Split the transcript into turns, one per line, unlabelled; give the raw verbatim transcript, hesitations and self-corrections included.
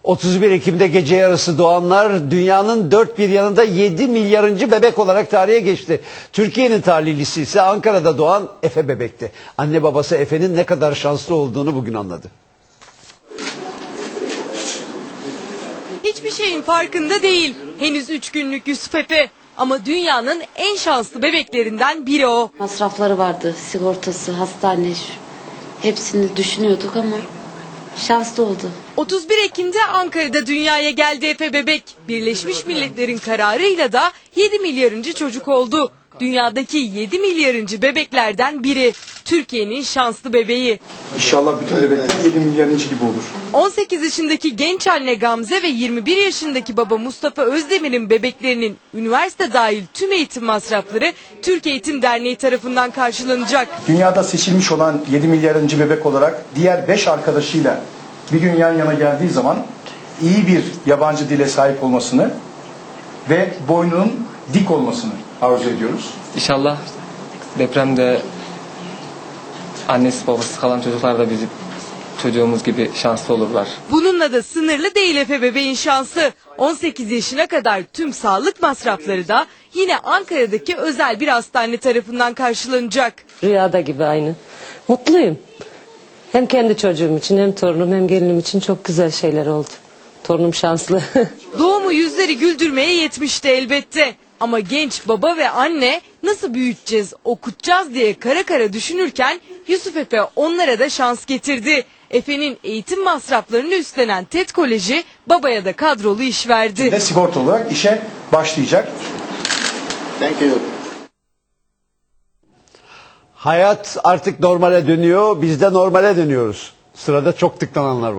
otuz bir Ekim'de gece yarısı doğanlar dünyanın dört bir yanında yedi milyarıncı bebek olarak tarihe geçti. Türkiye'nin talihlisi ise Ankara'da doğan Efe bebekti. Anne babası Efe'nin ne kadar şanslı olduğunu bugün anladı.
Hiçbir şeyin farkında değil. Henüz üç günlük Yusuf Efe. Ama dünyanın en şanslı bebeklerinden biri o.
Masrafları vardı, sigortası, hastane, hepsini düşünüyorduk ama şanslı oldu.
otuz bir Ekim'de Ankara'da dünyaya geldi Efe bebek. Birleşmiş Milletler'in kararıyla da yedi milyarıncı çocuk oldu. Dünyadaki yedi milyarıncı bebeklerden biri. Türkiye'nin şanslı bebeği.
İnşallah bütün bebekler yedi milyarıncı gibi olur.
on sekiz yaşındaki genç anne Gamze ve yirmi bir yaşındaki baba Mustafa Özdemir'in bebeklerinin üniversite dahil tüm eğitim masrafları Türk Eğitim Derneği tarafından karşılanacak.
Dünyada seçilmiş olan yedi milyarıncı bebek olarak diğer beş arkadaşıyla bir gün yan yana geldiği zaman iyi bir yabancı dile sahip olmasını ve boynunun dik olmasını arzu ediyoruz.
İnşallah depremde annesi babası kalan çocuklar da bizim çocuğumuz gibi şanslı olurlar.
Bununla da sınırlı değil Efe bebeğin şansı. on sekiz yaşına kadar tüm sağlık masrafları da yine Ankara'daki özel bir hastane tarafından karşılanacak.
Rüyada gibi aynı. Mutluyum. Hem kendi çocuğum için hem torunum hem gelinim için çok güzel şeyler oldu. Torunum şanslı.
Doğumu yüzleri güldürmeye yetmişti elbette. Ama genç baba ve anne nasıl büyüteceğiz, okutacağız diye kara kara düşünürken Yusuf Efe onlara da şans getirdi. Efe'nin eğitim masraflarını üstlenen TED Koleji babaya da kadrolu iş verdi.
Ve sigorta olarak işe başlayacak.
Thank you.
Hayat artık normale dönüyor, biz de normale dönüyoruz. Sırada çok tıklananlar var.